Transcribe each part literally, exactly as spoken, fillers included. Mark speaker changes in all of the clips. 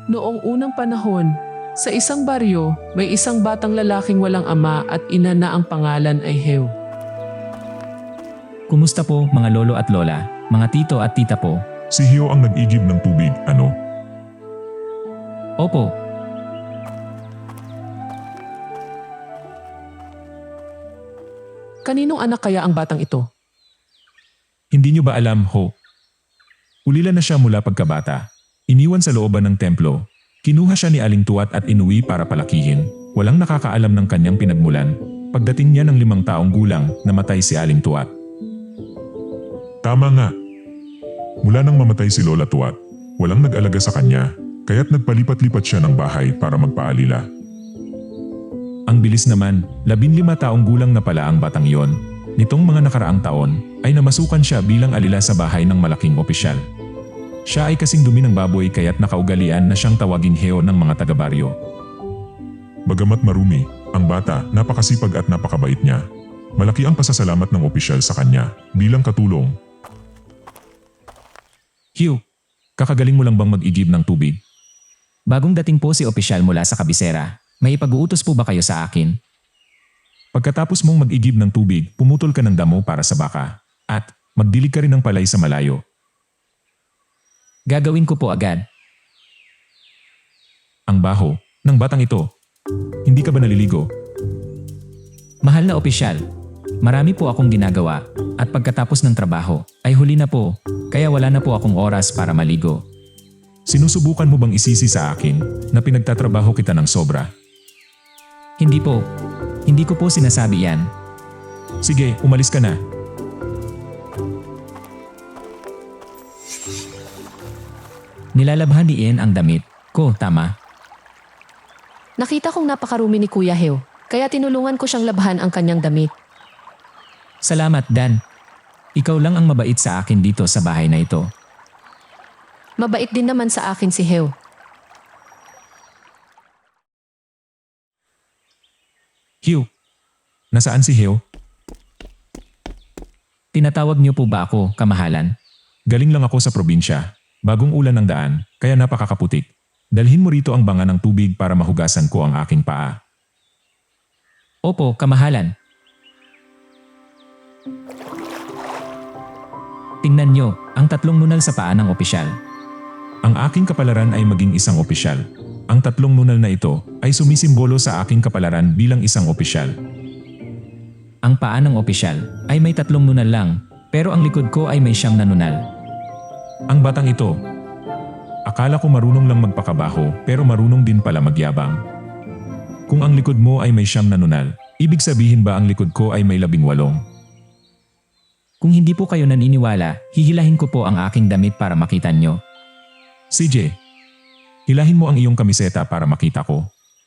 Speaker 1: Noong unang panahon, sa isang baryo, may isang batang lalaking walang ama at ina na ang pangalan ay Heu.
Speaker 2: Kumusta po mga lolo at lola, mga tito at tita po?
Speaker 3: Si Hio ang nag-igib ng tubig, ano?
Speaker 2: Opo,
Speaker 1: Kaninong anak kaya ang batang ito?
Speaker 3: Hindi niyo ba alam, Ho? Ulila na siya mula pagkabata. Iniwan sa looban ng templo. Kinuha siya ni Aling Tuat at inuwi para palakihin. Walang nakakaalam ng kanyang pinagmulan. Pagdating niya ng limang taong gulang, namatay si Aling Tuat. Tama nga. Mula nang mamatay si Lola Tuat, walang nag-alaga sa kanya, kaya't nagpalipat-lipat siya ng bahay para magpaalila. Ang bilis naman, labinlima taong gulang na pala ang batang yon. Nitong mga nakaraang taon, ay namasukan siya bilang alila sa bahay ng malaking opisyal. Siya ay kasing dumi ng baboy kaya't nakaugalian na siyang tawaging Heo ng mga taga-baryo. Bagamat marumi, ang bata napakasipag at napakabait niya. Malaki ang pasasalamat ng opisyal sa kanya bilang katulong.
Speaker 2: Hugh,
Speaker 3: Kakagaling mo lang bang mag-igib ng tubig?
Speaker 2: bagong dating po si opisyal mula sa kabisera. May ipag-uutos po ba kayo sa akin?
Speaker 3: Pagkatapos mong mag-igib ng tubig, pumutol ka ng damo para sa baka. At magdilig ka rin ng palay sa malayo.
Speaker 2: Gagawin ko po agad.
Speaker 3: Ang baho ng batang ito. Hindi ka ba naliligo?
Speaker 2: Mahal na opisyal, marami po akong ginagawa at pagkatapos ng trabaho ay huli na po, kaya wala na po akong oras para maligo.
Speaker 3: Sinusubukan mo bang isisi sa akin na pinagtatrabaho kita ng sobra?
Speaker 2: Hindi po, hindi ko po sinasabi yan.
Speaker 3: Sige, umalis ka na.
Speaker 2: Nilalabhan ni Ian ang damit ko, tama?
Speaker 4: Nakita kong napakarumi ni Kuya Heo, kaya tinulungan ko siyang labhan ang kanyang damit.
Speaker 2: Salamat, Dan. Ikaw lang ang mabait sa akin dito sa bahay na ito.
Speaker 4: Mabait din naman sa akin si Heo.
Speaker 3: Hugh, nasaan si Heo?
Speaker 2: Tinatawag niyo po ba ako, kamahalan?
Speaker 3: Galing lang ako sa probinsya. Bagong ulan ng daan, kaya napakakaputik. Dalhin mo rito ang banga ng tubig para mahugasan ko ang aking paa.
Speaker 2: Opo, kamahalan. Tingnan niyo, ang tatlong nunal sa paa ng opisyal.
Speaker 3: Ang aking kapalaran ay maging isang opisyal. Ang tatlong nunal na ito ay sumisimbolo sa aking kapalaran bilang isang opisyal.
Speaker 2: Ang paa ng opisyal ay may tatlong nunal lang, pero ang likod ko ay may siyam na nunal.
Speaker 3: Ang batang ito, akala ko marunong lang magpakabaho pero marunong din pala magyabang. Kung ang likod mo ay may siyam na nunal, ibig sabihin ba ang likod ko ay may labing walong?
Speaker 2: Kung hindi po kayo naniniwala, hihilahin ko po ang aking damit para makita nyo.
Speaker 3: C J, hilahin mo ang iyong kamiseta para makita ko.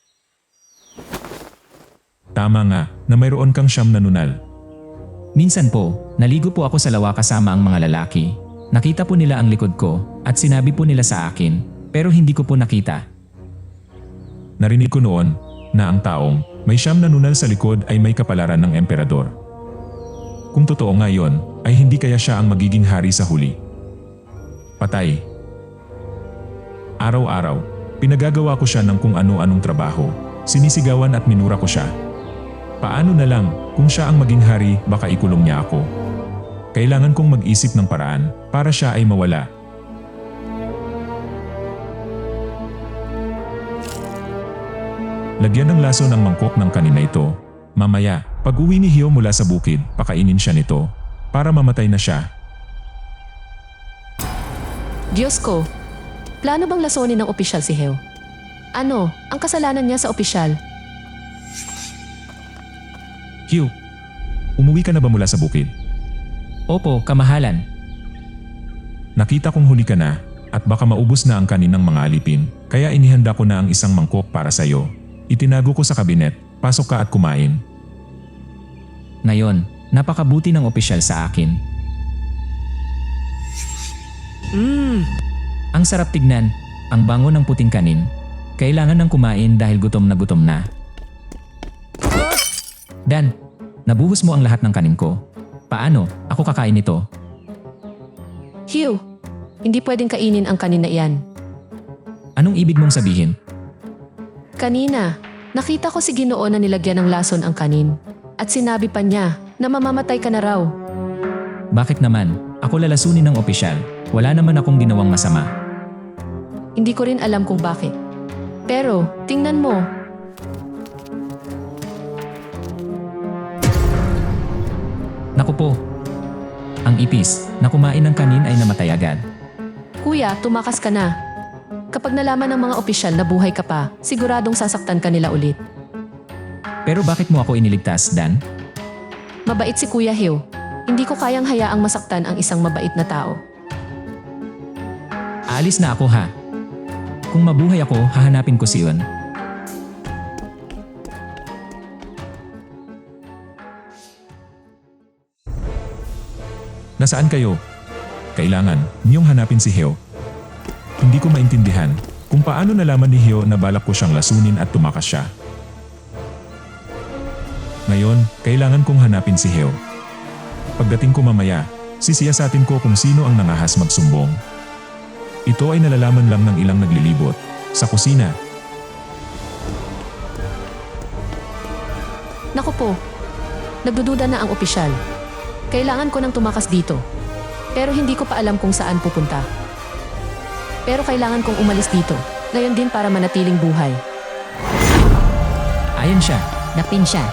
Speaker 3: Tama nga na mayroon kang siyam na nunal.
Speaker 2: Minsan po, naligo po ako sa lawa kasama ang mga lalaki. Nakita po nila ang likod ko at sinabi po nila sa akin, pero hindi ko po nakita.
Speaker 3: Narinig ko noon na ang taong may siyam na nunal sa likod ay may kapalaran ng emperador. Kung totoo nga yon, ay hindi kaya siya ang magiging hari sa huli. Patay. Araw-araw, pinagagawa ko siya ng kung ano-anong trabaho. Sinisigawan at minura ko siya. Paano na lang kung siya ang maging hari, baka ikulong niya ako. Kailangan kong mag-isip ng paraan para siya ay mawala. Lagyan ng laso ng mangkok ng kanina ito. Mamaya, pag uwi ni Hio mula sa bukid, pakainin siya nito para mamatay na siya.
Speaker 4: Diyos ko, plano bang lasonin ng opisyal si Heo? Ano, ang kasalanan niya sa opisyal?
Speaker 3: Hio, umuwi ka na ba mula sa bukid?
Speaker 2: Opo, kamahalan.
Speaker 3: Nakita kong huli ka na at baka maubos na ang kaninang mga alipin, kaya inihanda ko na ang isang mangkok para sa iyo. Itinago ko sa kabinet, pasok ka at kumain.
Speaker 2: Ngayon, napakabuti ng opisyal sa akin.
Speaker 1: Mmm,
Speaker 2: Ang sarap tignan, ang bango ng puting kanin. Kailangan ng kumain dahil gutom na gutom na. Dan, nabuhos mo ang lahat ng kanin ko. Paano? Ako kakain nito.
Speaker 4: Heo, hindi pwedeng kainin ang kanina iyan.
Speaker 2: Anong ibig mong sabihin?
Speaker 4: Kanina, nakita ko si Ginoo na nilagyan ng lason ang kanin. At sinabi pa niya na mamamatay ka na raw.
Speaker 2: Bakit naman? Ako lalasunin ng opisyal. Wala naman akong ginawang masama.
Speaker 4: Hindi ko rin alam kung bakit. Pero, tingnan mo.
Speaker 2: Naku po. Ang ipis na kumain ng kanin ay namatay agad.
Speaker 4: Kuya, tumakas ka na. Kapag nalaman ng mga opisyal na buhay ka pa, siguradong sasaktan ka nila ulit.
Speaker 2: Pero bakit mo ako iniligtas, Dan?
Speaker 4: Mabait si Kuya Heo. Hindi ko kayang hayaang masaktan ang isang mabait na tao.
Speaker 2: Aalis na ako ha. Kung mabuhay ako, hahanapin ko si Yun.
Speaker 3: Nasaan kayo? Kailangan niyong hanapin si Heo. Hindi ko maintindihan kung paano nalaman ni Heo na balak ko siyang lasunin at tumakas siya. Ngayon, kailangan kong hanapin si Heo. Pagdating ko mamaya, sisiyasatin ko kung sino ang nangahas magsumbong. Ito ay nalalaman lang ng ilang naglilibot sa kusina.
Speaker 4: Naku po, nagdududa na ang opisyal. Kailangan ko nang tumakas dito. Pero hindi ko pa alam kung saan pupunta. Pero kailangan kong umalis dito. Ngayon din para manatiling buhay.
Speaker 2: Ayan siya.
Speaker 5: Napin siya.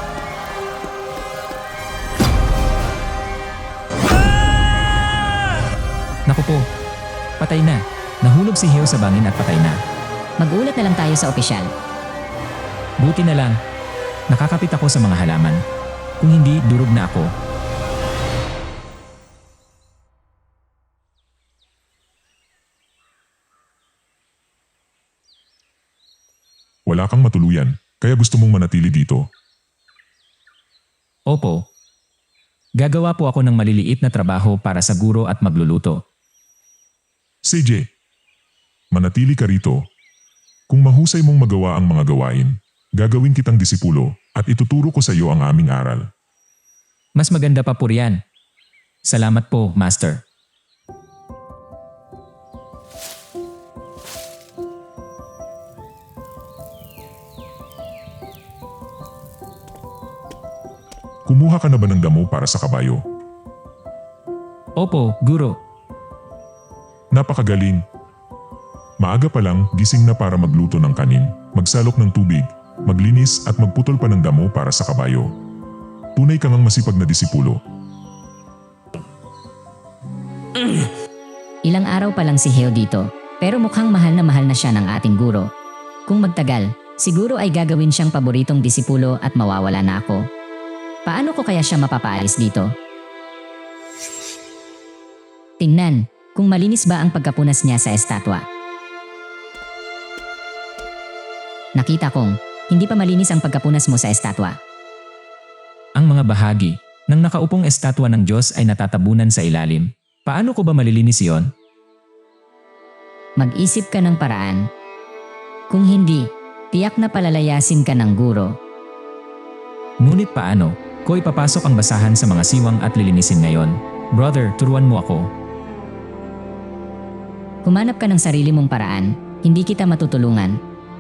Speaker 2: Naku po. Patay na. Nahulog si Heo sa bangin at patay na.
Speaker 5: Mag-ulat na lang tayo sa opisyal.
Speaker 2: Buti na lang. Nakakapit ako sa mga halaman. Kung hindi, durog na ako.
Speaker 3: Wala kang matuluyan, kaya gusto mong manatili dito.
Speaker 2: Opo. Gagawa po ako ng maliliit na trabaho para sa guro at magluluto.
Speaker 3: C J, manatili ka rito. Kung mahusay mong magawa ang mga gawain, gagawin kitang disipulo at ituturo ko sa iyo ang aming aral.
Speaker 2: Mas maganda pa po riyan. Salamat po, Master.
Speaker 3: Kumuha ka na ba ng damo para sa kabayo?
Speaker 2: Opo, guro.
Speaker 3: Napakagaling. Maaga pa lang, gising na para magluto ng kanin, magsalok ng tubig, maglinis at magputol pa ng damo para sa kabayo. Tunay kang ang masipag na disipulo.
Speaker 5: Ilang araw pa lang si Heo dito, pero mukhang mahal na mahal na siya ng ating guro. Kung magtagal, siguro ay gagawin siyang paboritong disipulo at mawawala na ako. Paano ko kaya siya mapapaalis dito? Tingnan, kung malinis ba ang pagkapunas niya sa estatwa. Nakita kong, hindi pa malinis ang pagkapunas mo sa estatwa.
Speaker 2: Ang mga bahagi ng nakaupong estatwa ng Diyos ay natatabunan sa ilalim. Paano ko ba malilinis iyon?
Speaker 5: Mag-isip ka ng paraan. Kung hindi, tiyak na palalayasin ka ng guro.
Speaker 2: Ngunit paano ko ipapasok ang basahan sa mga siwang at lilinisin ngayon? Brother, turuan mo ako.
Speaker 5: Humanap ka ng sarili mong paraan, hindi kita matutulungan.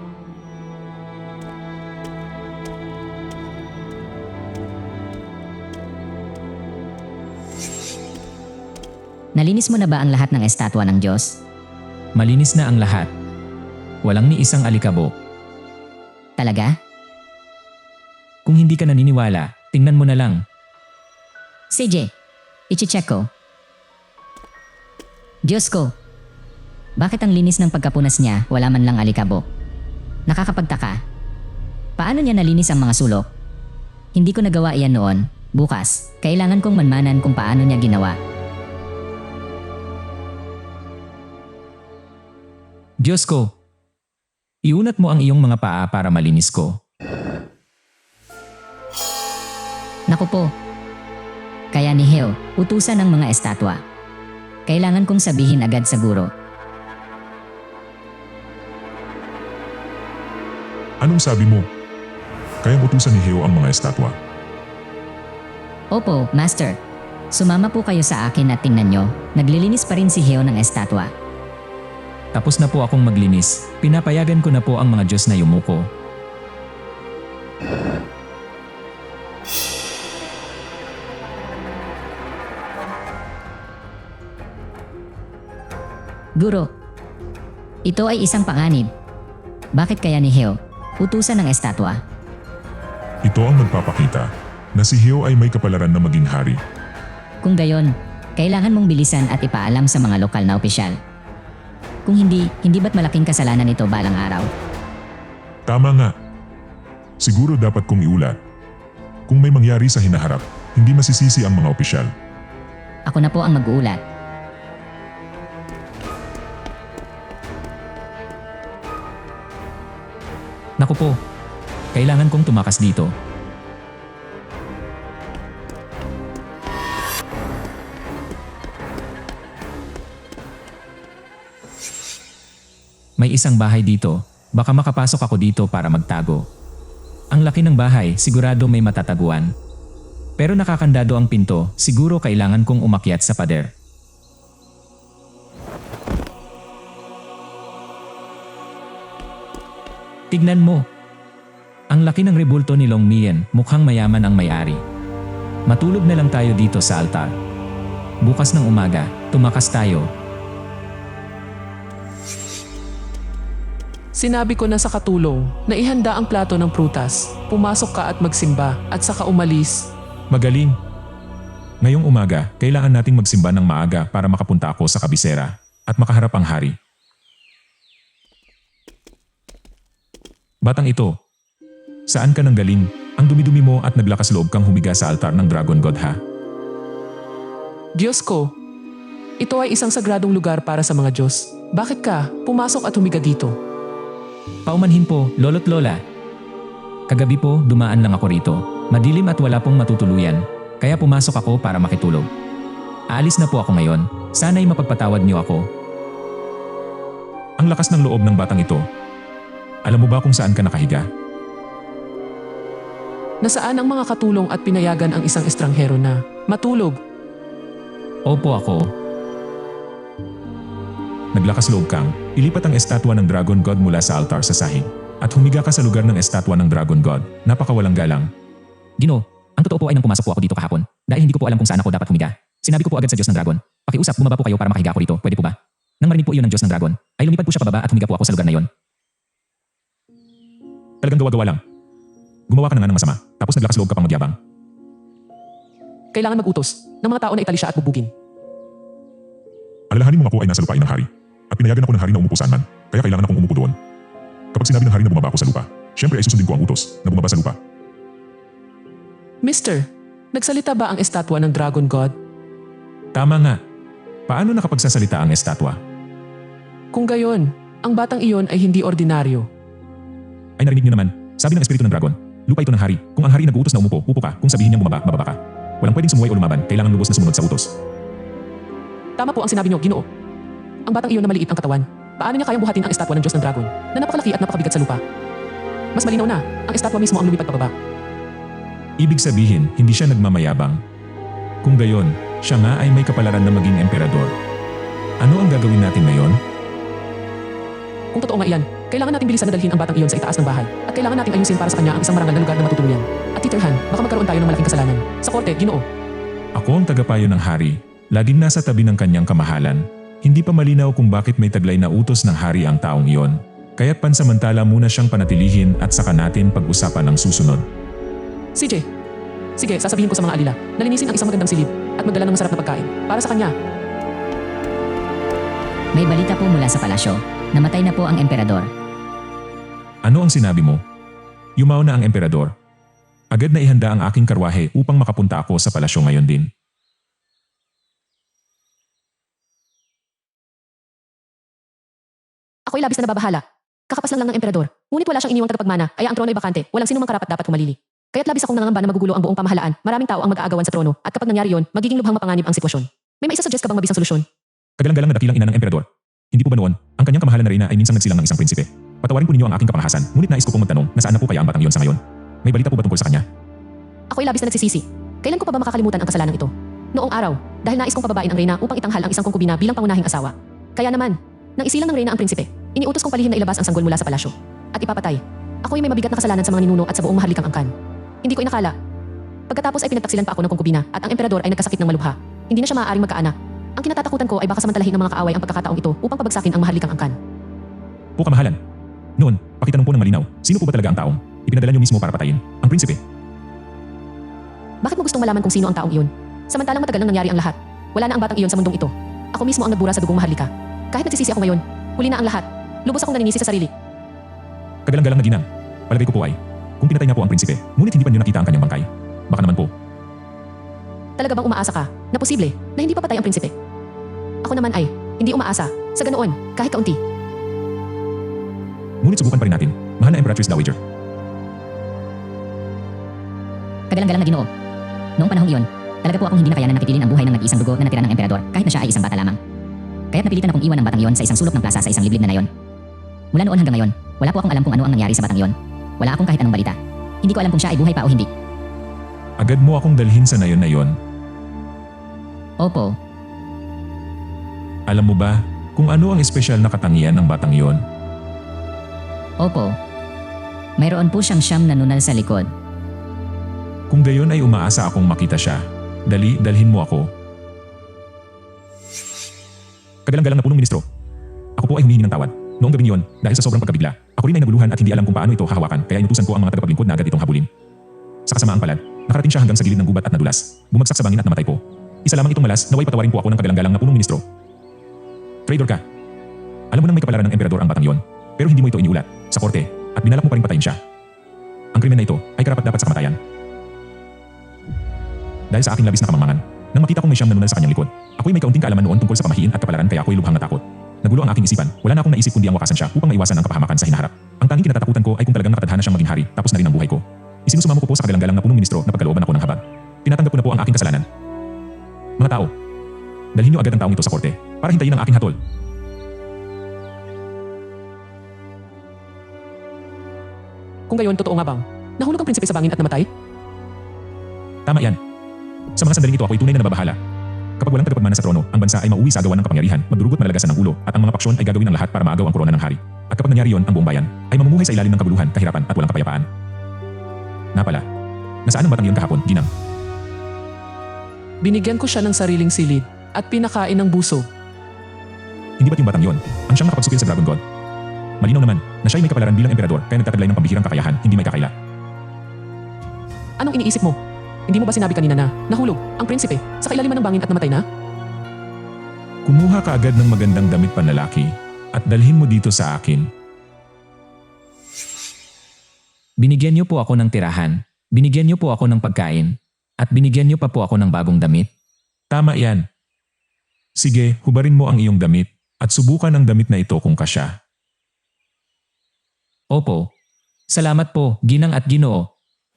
Speaker 5: Nalinis mo na ba ang lahat ng estatwa ng Diyos?
Speaker 2: Malinis na ang lahat. Walang ni isang alikabok.
Speaker 5: Talaga?
Speaker 2: Kung hindi ka naniniwala, tingnan mo na lang.
Speaker 5: C J, ichi-check ko. Diyos ko, bakit ang linis ng pagkapunas niya wala man lang alikabok? Nakakapagtaka. Paano niya nalinis ang mga sulok? Hindi ko nagawa iyan noon. Bukas, kailangan kong manmanan kung paano niya ginawa.
Speaker 2: Diyos ko, iunat mo ang iyong mga paa para malinis ko.
Speaker 5: Naku po. Kaya ni Heo, utusan ng mga estatwa. Kailangan kong sabihin agad sa guro.
Speaker 3: Anong sabi mo? Kayang utusan ni Heo ang mga estatwa.
Speaker 5: Opo, Master. Sumama po kayo sa akin at tingnan nyo, naglilinis pa rin si Heo ng estatwa.
Speaker 2: Tapos na po akong maglinis. Pinapayagan ko na po ang mga Diyos na yumuko.
Speaker 5: Guro, ito ay isang panganib. Bakit kaya ni Heo utusan ng estatwa?
Speaker 3: Ito ang nagpapakita na si Heo ay may kapalaran na maging hari.
Speaker 5: Kung gayon, kailangan mong bilisan at ipaalam sa mga lokal na opisyal. Kung hindi, hindi ba't malaking kasalanan ito balang araw?
Speaker 3: Tama nga. Siguro dapat kong iulat. Kung may mangyari sa hinaharap, hindi masisisi ang mga opisyal.
Speaker 5: Ako na po ang mag-uulat.
Speaker 2: Naku po, kailangan kong tumakas dito. May isang bahay dito, baka makapasok ako dito para magtago. Ang laki ng bahay, sigurado may matataguan. Pero nakakandado ang pinto, siguro kailangan kong umakyat sa pader. Tignan mo. Ang laki ng rebulto ni Long Mian, mukhang mayaman ang may-ari. Matulog na lang tayo dito sa altar. Bukas ng umaga, tumakas tayo.
Speaker 1: Sinabi ko na sa katulong na ihanda ang plato ng prutas. Pumasok ka at magsimba at saka umalis.
Speaker 3: Magaling. Ngayong umaga, kailangan nating magsimba ng maaga para makapunta ako sa kabisera at makaharap ang hari. Batang ito, saan ka nang galing? Ang dumi-dumi mo at naglakas loob kang humiga sa altar ng Dragon God ha?
Speaker 1: Diyos ko, ito ay isang sagradong lugar para sa mga Diyos. Bakit ka pumasok at humiga dito?
Speaker 2: Paumanhin po, lolo't lola. Kagabi po, dumaan lang ako rito. Madilim at wala pong matutuluyan, kaya pumasok ako para makitulog. Aalis na po ako ngayon, sana'y mapagpatawad niyo ako.
Speaker 3: Ang lakas ng loob ng batang ito. Alam mo ba kung saan ka nakahiga?
Speaker 1: Nasaan ang mga katulong at pinayagan ang isang estranghero na matulog?
Speaker 2: Opo ako.
Speaker 3: Naglakas loob kang, ilipat ang estatwa ng Dragon God mula sa altar sa sahig at humiga ka sa lugar ng estatwa ng Dragon God. Napakawalang galang.
Speaker 2: Gino, ang totoo po ay nang pumasok po ako dito kahapon dahil hindi ko po alam kung saan ako dapat humiga. Sinabi ko po agad sa Diyos ng Dragon, pakiusap bumaba po kayo para makahiga ako rito, pwede po ba? Nang marinig po iyon ng Diyos ng Dragon, ay lumipad po siya pababa at humiga po ako sa lugar na iyon.
Speaker 3: Talagang gawa-gawa lang. Gumawa ka na nga ng masama, tapos naglakas loob ka pang magyabang.
Speaker 1: Kailangan mag-utos ng mga tao na itali siya at bubugin.
Speaker 3: Alalahanin mo ako ay nasa lupain ng hari. At pinayagan ako ng hari na umupo saan man, kaya kailangan akong umupo doon. Kapag sinabi ng hari na bumaba ako sa lupa, syempre ay susundin ko ang utos na bumaba sa lupa.
Speaker 1: Mister, nagsalita ba ang estatwa ng Dragon God?
Speaker 3: Tama nga. Paano nakapagsasalita ang estatwa?
Speaker 1: Kung gayon, ang batang iyon ay hindi ordinaryo.
Speaker 3: Ay narinig niyo naman, sabi ng espiritu ng dragon, lupa ito ng hari. Kung ang hari nag-uutos na umupo, upo ka. Kung sabihin niyang bumaba, bababa ka. Walang pwedeng sumuway o lumaban, kailangan lubos na sumunod sa utos.
Speaker 1: Tama po ang sinabi niyo, Ginoo. Ang batang iyon na maliit ang katawan. Paano niya kayang buhatin ang estatwa ng Diyos ng Dragon na napakalaki at napakabigat sa lupa? Mas malinaw na, ang estatwa mismo ang lumipad pababa.
Speaker 3: Ibig sabihin, hindi siya nagmamayabang. Kung gayon, siya nga ay may kapalaran na maging emperador. Ano ang gagawin natin ngayon?
Speaker 1: Kung totoo nga iyan, kailangan nating bilisan na dalhin ang batang iyon sa itaas ng bahay at kailangan nating ayusin para sa kanya ang isang marangal na lugar na matutuluyan. At titerhan, baka magkaroon tayo ng malaking kasalanan. Sa korte, Ginoo.
Speaker 3: Ako ang tagapayo ng hari, laging nasa tabi ng kanyang kamahalan. Hindi pa malinaw kung bakit may taglay na utos ng hari ang taong iyon. Kaya't pansamantala muna siyang panatilihin at saka natin pag-usapan ang susunod.
Speaker 1: C J, sige, sasabihin ko sa mga alila, nalinisin ang isang magandang silid at magdala ng masarap na pagkain para sa kanya.
Speaker 5: May balita po mula sa palasyo. Namatay na po ang emperador.
Speaker 3: Ano ang sinabi mo? Yumao na ang emperador. Agad na ihanda ang aking karwahe upang makapunta ako sa palasyo ngayon din.
Speaker 4: Ako'y labis na nababahala. Kakapas lang lang ng emperador. Ngunit wala siyang iniwang tagapagmana, kaya ang trono ay bakante. Walang sino mang karapat dapat humalili. Kaya't labis akong nangangamba na magugulo ang buong pamahalaan. Maraming tao ang mag-aagawan sa trono, at kapag nangyari yon, magiging lubhang mapanganib ang sitwasyon. May maisasuggest ka bang mabisang solusyon?
Speaker 3: Kagalang-galang na dakilang ina ng emperador. Hindi po ba noon, ang kanyang kamahalan na reyna ay minsang nagsilang ng isang prinsipe? Patawarin po ninyo ang aking kapangahasan, ngunit nais ko pong magtanong, nasaan na po kaya ang batang iyon sa ngayon? May balita po ba tungkol sa kanya?
Speaker 4: Ako'y labis na nagsisisi. Kailan ko pa ba makakalimutan ang kasalanan ito? Noong araw, dahil nais kong pababain ang reyna upang itanghal ang isang kongkubina bilang pangunahing asawa. Kaya naman, Nang isilang ng reyna ang prinsipe, iniutos kong palihim na ilabas ang sanggol mula sa palasyo. At ipapatay. Ako'y may mabigat na kasalanan sa mga ninuno at sa buong maharlikang angkan. Hindi ko inakala. Pagkatapos ay pinagtaksilan pa ako ng konkubina at ang emperador ay nagkasakit ng malubha. Hindi na siya maaaring magkaanak. Ang kinatatakutan ko ay baka samantalahin ng mga kaaway ang pagkakataong ito upang pabagsakin ang maharlikang angkan.
Speaker 3: Po kamahalan. Noon, pakitanong po ng malinaw, sino po ba talaga ang taong ipinadala niyo mismo para patayin? Ang prinsipe.
Speaker 4: Bakit mo gustong malaman kung sino ang taong iyon? Samantalang matagal nang nangyari ang lahat. Wala na ang batang iyon sa mundong ito. Ako mismo ang nagbura sa dugong maharlika. Kahit nagsisisi ako ngayon, huli na ang lahat. Lubos akong naninisi sa sarili.
Speaker 3: Kagalang-galang na ginang. Palagay ko po ay, kung pinatay nga po ang prinsipe, ngunit hindi pa niyo nakita ang kanyang bangkay. Baka naman po,
Speaker 4: Talaga bang umaasa ka na posible na hindi pa patay ang prinsipe? Ako naman ay hindi umaasa sa ganoon kahit kaunti.
Speaker 3: ngunit subukan pa rin natin, mahal na Empress Dowager.
Speaker 5: Kagalang-galang na Ginoo. Noong panahong iyon, talaga po akong hindi na kayanan nakitilin ang buhay ng nag-iisang dugo na natira ng emperador kahit na siya ay isang bata lamang. Kaya't napilitan akong iwan ang batang iyon sa isang sulok ng plaza sa isang liblib na nayon. Mula noon hanggang ngayon, wala po akong alam kung ano ang nangyari sa batang iyon. Wala akong kahit anong balita. Hindi ko alam kung siya ay buhay pa o hindi.
Speaker 3: Agad mo akong dalhin sa nayon na yon.
Speaker 5: Opo,
Speaker 3: Alam mo ba kung ano ang espesyal na katangian ng batang yon?
Speaker 5: opo. Mayroon po siyang siyam na nunal sa likod.
Speaker 3: Kung gayon ay umaasa akong makita siya. Dali, dalhin mo ako. Kagalang-galang na punong ministro. Ako po ay humihingi ng tawad. Noong gabing yon, dahil sa sobrang pagkabigla, ako rin ay naguluhan at hindi alam kung paano ito hahawakan kaya inutusan ko ang mga tagapaglingkod na agad itong habulin. Sa kasamaang palad, nakarating siya hanggang sa gilid ng gubat at nadulas. Bumagsak sa bangin at namatay po. Isa lamang itong malas, naway patawarin po ako ng kagalang-galang na punong ministro. Traitor ka. Alam mo nang may kapalaran ng emperador ang batang yon, pero hindi mo ito iniulat sa korte at binalak mo pa rin patayin siya. Ang krimen na ito ay karapat-dapat sa kamatayan. Dahil sa aking labis na kamangmangan, nang makita kong may siyam na nunal sa kanyang likod, ako'y may kaunting kaalaman noon tungkol sa pamahiin at kapalaran kaya ako'y lubhang natakot. Nagulo ang aking isipan, wala na akong naisip kundi ang wakasan siya upang maiwasan ang kapahamakan sa hinaharap. Ang tanging kinatatakutan ko ay kung talagang nakatadhana siyang maging hari tapos na rin ang buhay ko. Isinusumamo ko po sa kagalang-galang na punong ministro na pagkalooban ako ng habag. Tinatanggap ko na po ang aking kasalanan. Mga tao, dalhin niyo agad ang taong ito sa korte para hintayin ang aking hatol.
Speaker 1: Kung gayon, totoo nga bang nahulog ang prinsipe sa bangin at namatay?
Speaker 3: Tama yan. Sa mga sandaling ito ako'y tunay na nababahala. Kapag walang tagapagmana sa trono, ang bansa ay mauwi sa agawan ng kapangyarihan, magdurugot malagasan ng ulo, at ang mga paksyon ay gagawin ang lahat para maagaw ang korona ng hari. At kapag nangyari yon, ang buong bayan ay mamumuhay sa ilalim ng kabuluhan, kahirapan at walang kapayapaan. Napala, nasaan ang batang iyon kahapon, Ginang?
Speaker 1: Binigyan ko siya ng sariling silid at pinakain ng buso.
Speaker 3: Hindi ba't yung batang yon ang siyang nakapagsupil sa Dragon God? Malinaw naman na siya ay may kapalaran bilang emperador kaya nagtataglay ng pambihirang kakayahan, hindi may kakaila.
Speaker 1: Anong iniisip mo? Hindi mo ba sinabi kanina na nahulog ang prinsipe sa kailaliman ng bangin at namatay na?
Speaker 3: Kumuha ka agad ng magandang damit panlalaki at dalhin mo dito sa akin.
Speaker 2: Binigyan niyo po ako ng tirahan, binigyan niyo po ako ng pagkain, at binigyan niyo pa po ako ng bagong damit.
Speaker 3: Tama yan. Sige, hubarin mo ang iyong damit at subukan ang damit na ito kung kasya.
Speaker 2: Opo. Salamat po, Ginang at Ginoo.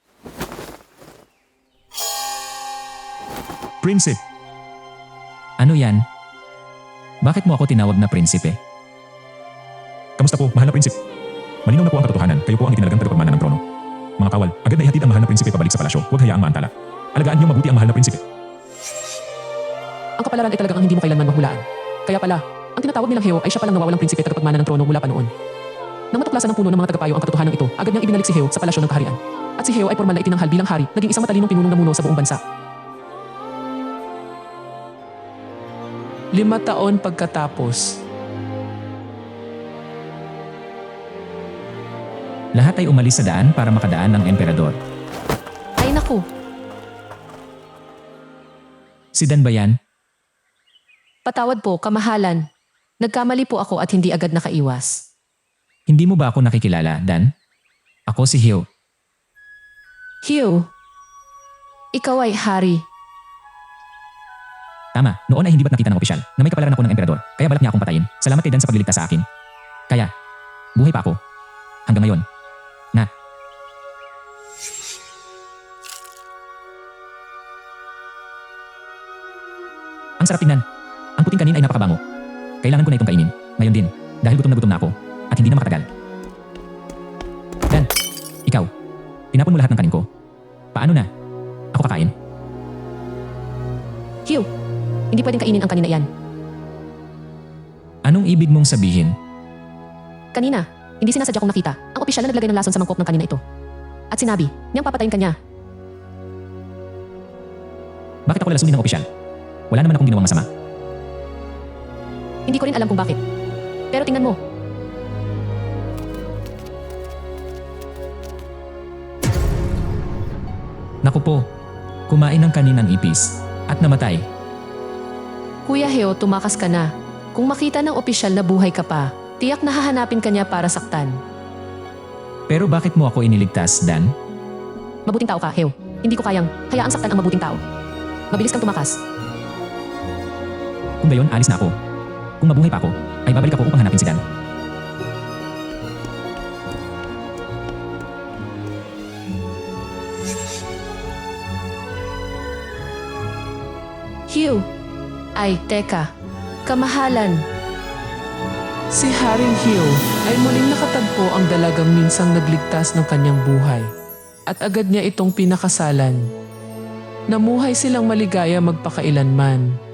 Speaker 3: Prinsipe,
Speaker 2: Ano yan? Bakit mo ako tinawag na prinsipe?
Speaker 3: kamusta po, mahal na prinsipe? Malinaw na po ang katotohanan, kayo po ang itinalagang tagapagmana ng trono. Mga kawal, agad na ihatid ang mahal na prinsipe pabalik sa palasyo, huwag hayaang maantala. Alagaan niyo mabuti ang mahal na prinsipe.
Speaker 1: Ang kapalaran ay talagang ang hindi mo kailanman mahulaan. Kaya pala, ang tinatawag nilang Heo ay siya palang nawawalang prinsipe at tagapagmana ng trono mula pa noon. Nang matuklasan ng puno ng mga tagapayo ang katotohanan ito, agad niyang ibinalik si Heo sa palasyo ng kaharian. At si Heo ay formal na itinanghal bilang hari, naging isang matalinong pinunong namuno sa buong bansa. Lima taon pagkatapos.
Speaker 2: Lahat ay umalis sa daan para makadaan ng emperador.
Speaker 4: Ay naku,
Speaker 2: Si Dan ba yan?
Speaker 4: patawad po, kamahalan. Nagkamali po ako at hindi agad nakaiwas.
Speaker 2: Hindi mo ba ako nakikilala, Dan? Ako si Heo.
Speaker 4: Hugh, ikaw ay hari.
Speaker 2: Tama, noon ay hindi ba't nakita ng opisyal na may kapalaran ako ng emperador, kaya balak niya akong patayin. Salamat kay Dan sa pagliligtas sa akin. Kaya, buhay pa ako. Hanggang ngayon. Na. Ang sarap tingnan. Ang puting kanin ay napakabango. Kailangan ko na itong kainin. Ngayon din, dahil gutom na gutom na ako at hindi na makatagal. Dan, ikaw. Tinapon mo lahat ng kanin ko. Paano na? Ako kakain.
Speaker 4: Hugh, hindi pwedeng kainin ang kanina yan.
Speaker 2: Anong Anong ibig mong sabihin?
Speaker 1: Kanina, hindi sinasadya kong nakita ang opisyal na naglagay ng lason sa mangkok ng kanina ito. At sinabi, niyang papatayin kanya.
Speaker 2: Bakit ako lalasunin ng opisyal? Wala naman akong ginawang masama.
Speaker 1: Hindi ko rin alam kung bakit. Pero tingnan mo,
Speaker 2: Naku po, kumain ng kaninang ipis at namatay.
Speaker 4: Kuya Heo, tumakas ka na. Kung makita ng opisyal na buhay ka pa, tiyak na hahanapin ka niya para saktan.
Speaker 2: Pero bakit mo ako iniligtas, Dan?
Speaker 1: mabuting tao ka, Heo. Hindi ko kayang hayaang saktan ang mabuting tao. Mabilis kang tumakas.
Speaker 2: Kung gayon, alis na ako. Kung mabuhay pa ako, ay babalik ako upang hanapin si Dan.
Speaker 4: Hugh! Ay, teka. Kamahalan.
Speaker 1: Si Haring Heo ay muling nakatagpo ang dalagang minsang nagligtas ng kanyang buhay. At agad niya itong pinakasalan. Namuhay silang maligaya magpakailanman.